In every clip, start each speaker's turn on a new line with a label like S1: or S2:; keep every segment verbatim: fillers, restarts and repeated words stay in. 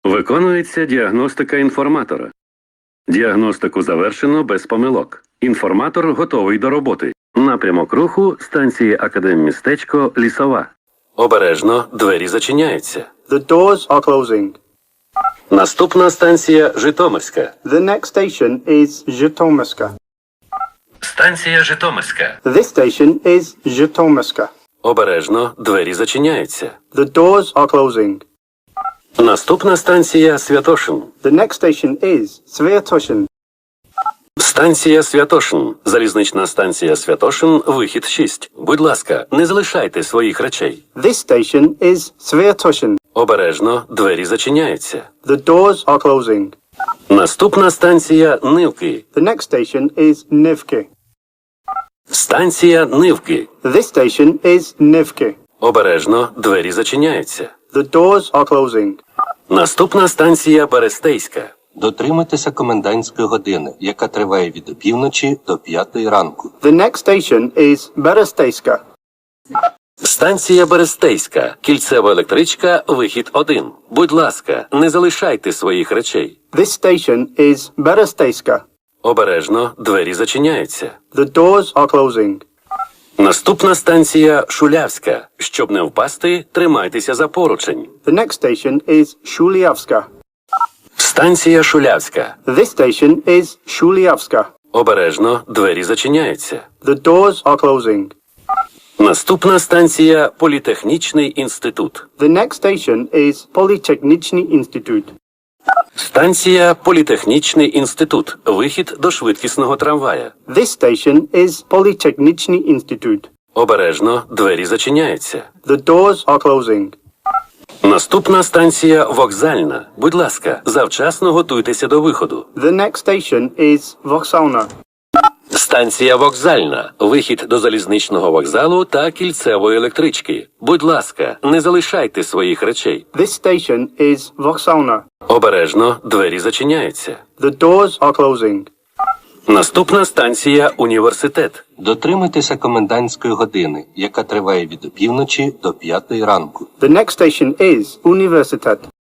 S1: Виконується діагностика інформатора. Діагностику завершено без помилок. Інформатор готовий до роботи. Напрямок руху станції Академмістечко Лісова. Обережно, двері зачиняються.
S2: The doors are closing.
S1: Наступна станція Житомирська.
S2: The next station is Zhytomyska.
S1: Станція Житомирська.
S2: This station is Zhytomyska.
S1: Обережно, двері зачиняються.
S2: The doors are closing.
S1: Наступна станція Святошин.
S2: The next station is Sviatoshin.
S1: Станція Святошин. Залізнична станція Святошин, вихід шість. Будь ласка, не залишайте своїх речей.
S2: This station is Sviatoshin.
S1: Обережно, двері зачиняються.
S2: The doors are closing.
S1: Наступна станція Нивки.
S2: The next station is Nivki.
S1: Станція Нивки.
S2: This station is Nivki.
S1: Обережно, двері зачиняються.
S2: The doors are closing.
S1: Наступна станція Берестейська.
S3: Дотримуйтеся комендантської години, яка триває від опівночі до п'ятої ранку.
S2: The next station is Beresteyska.
S1: Станція Берестейська. Кільцева електричка, вихід один. Будь ласка, не залишайте своїх речей.
S2: This station is Beresteyska.
S1: Обережно, двері зачиняються.
S2: The doors are closing.
S1: Наступна станція Шулявська. Щоб не впасти, тримайтеся за поручень.
S2: The next station is Shuliavska.
S1: Станція Шулявська.
S2: This station is Shuliavska.
S1: Обережно, двері зачиняються.
S2: The doors are closing.
S1: Наступна станція Політехнічний інститут.
S2: The next station is Polytechnichny Institute.
S1: Станція Політехнічний інститут. Вихід до швидкісного трамвая.
S2: This station is Polytechnichny Institute.
S1: Обережно, двері зачиняються.
S2: The doors are closing.
S1: Наступна станція Вокзальна. Будь ласка, завчасно готуйтеся до виходу.
S2: The next station is Voksalna.
S1: Станція Вокзальна. Вихід до залізничного вокзалу та кільцевої електрички. Будь ласка, не залишайте своїх речей.
S2: This station is Voksalna.
S1: Обережно, двері зачиняються.
S2: The doors are closing.
S1: Наступна станція Університет.
S3: Дотримуйтеся комендантської години, яка триває від опівночі до п'ятої ранку.
S2: The next station is Universitet.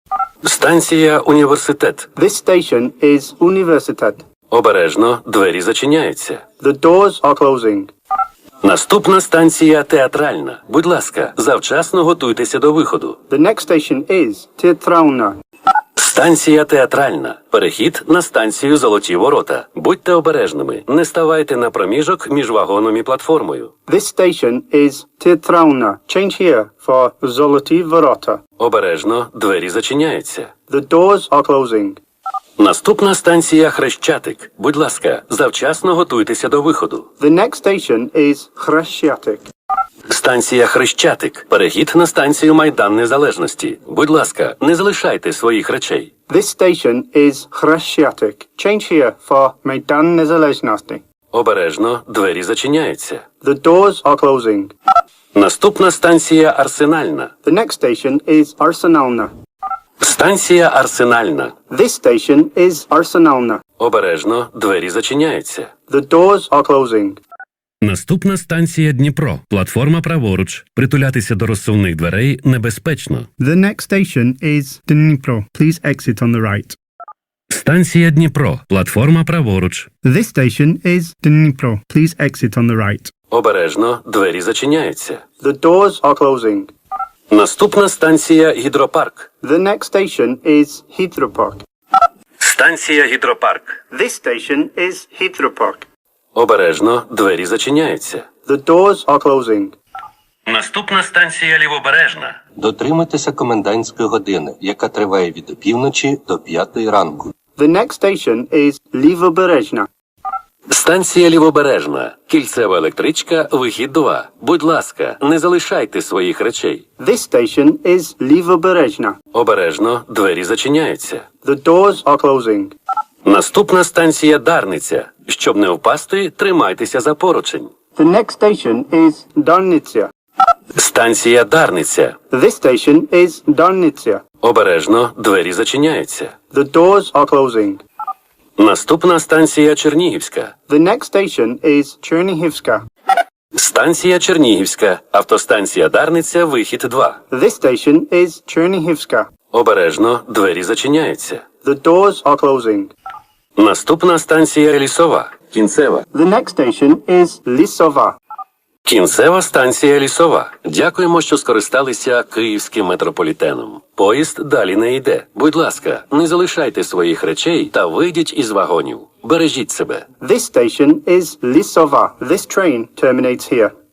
S1: Станція Університет.
S2: This station is Universitet.
S1: Обережно, двері зачиняються.
S2: The doors are closing.
S1: Наступна станція Театральна. Будь ласка, завчасно готуйтеся до виходу.
S2: The next station is Teatrauna.
S1: Станція Театральна. Перехід на станцію Золоті Ворота. Будьте обережними, не ставайте на проміжок між вагоном і платформою.
S2: This station is Teatrauna. Change here for Zoloty Vorota.
S1: Обережно, двері зачиняються.
S2: The doors are closing.
S1: Наступна станція Хрещатик. Будь ласка, завчасно готуйтеся до виходу.
S2: The next station is Chrestiatic.
S1: Станція Хрещатик. Перехід на станцію Майдан Незалежності. Будь ласка, не залишайте своїх речей.
S2: This station is Chrestiatic. Change here for Maidan Nezalezhnosti.
S1: Обережно, двері зачиняються.
S2: The doors are closing.
S1: Наступна станція Арсенальна.
S2: The next station is Arsenalna.
S1: Станція Арсенальна.
S2: This station is Arsenalna.
S1: Обережно, двері зачиняються.
S2: The doors are closing.
S1: Наступна станція Дніпро. Платформа праворуч. Притулятися до розсувних дверей небезпечно.
S2: The next station is Dnipro. Please exit on the right.
S1: Станція Дніпро. Платформа праворуч.
S2: This station is Dnipro. Please exit on the right.
S1: Обережно, двері зачиняються.
S2: The doors are closing.
S1: Наступна станція Гідропарк.
S2: The next station is Heathrow Park.
S1: Станція Гідропарк.
S2: This station is Heathrow Park.
S1: Обережно, двері зачиняються.
S2: The doors are closing.
S1: Наступна станція Лівобережна.
S3: Дотримуйтеся комендантської години, яка триває від опівночі до п'ятої ранку.
S2: The next station is Livoberezhna.
S1: Станція Лівобережна. Кільцева електричка, вихід два. Будь ласка, не залишайте своїх речей.
S2: This station is Livoberezhna.
S1: Обережно, двері зачиняються.
S2: The doors are closing.
S1: Наступна станція Дарниця. Щоб не впасти, тримайтеся за поручень.
S2: The next station is Darnitsia.
S1: Станція Дарниця.
S2: This station is Darnitsia.
S1: Обережно, двері зачиняються.
S2: The doors are closing.
S1: Наступна станція Чернігівська.
S2: The next station is Chernihivska.
S1: Станція Чернігівська, автостанція Дарниця, вихід два.
S2: This station is Chernihivska.
S1: Обережно, двері зачиняються.
S2: The doors are closing.
S1: Наступна станція Лісова, кінцева.
S2: The next station is Lisova.
S1: Кінцева станція Лісова. Дякуємо, що скористалися Київським метрополітеном. Поїзд далі не йде. Будь ласка, не залишайте своїх речей та вийдіть із вагонів. Бережіть себе.
S2: This station is Lisova. This train terminates here.